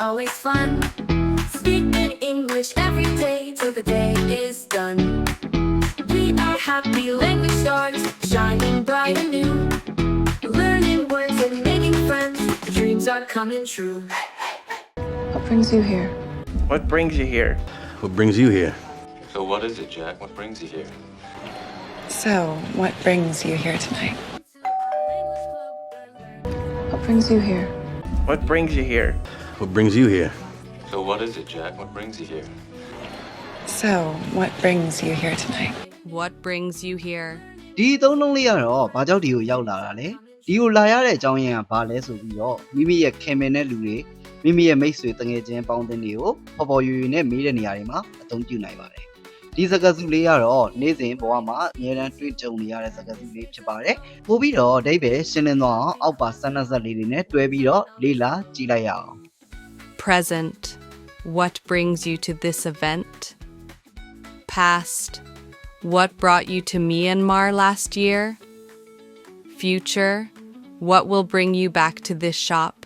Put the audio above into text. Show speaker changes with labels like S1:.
S1: always fun. Speak in English every day till the day is done. We are happy language stars, shining bright and new. Learning words and making friends, dreams are coming true.
S2: What brings you here?
S3: What brings you here?
S4: What brings you here?
S5: So what is it, Jack? What brings you here?
S2: So, what brings you here tonight? What brings you here?
S3: What brings you here?
S4: What brings you here?
S5: So what is it, Jack? What brings you here?
S2: So, what brings you here tonight?
S6: What brings you here?
S7: ဒီသုံးလုံးလေးကတော့ဘာကြောင့်ဒီကိုရောက်လာတာလဲဒီကိုလာရတဲ့အကြောင်းရင်းကဘာလဲဆိုပြီးတော့မိမိရဲ့ခင်မင်တဲ့လူတွေမိမိရဲ့မိတ်ဆွေတငယ်ချင်းပေါင်းသင်းတွေကိုပေါ်ပေါ်ရွရွနဲ့မေးတဲ့နေရာတွေမှာအသုံးပြုနိုင်ပါတယ်ဒီစကားစုလေးကတော့နေ့စဉ်ဘဝမှာအများအားတွေ့ကြုံနေရတဲ့စကားစုလေးဖြစ်ပါတယ်ပို့ပြီးတော့အဓိပ္ပာယ်ရှင်းလင်းသွားအောင်အောက်ပါစမ်းနှက်လေးတွေနဲ့တွဲပြီးတော့လေ့လာကြည့်လိုက်ရအောင်
S6: Present. What brings you to this event? Past. What brought you to Myanmar last year? Future. What will bring you back to this shop?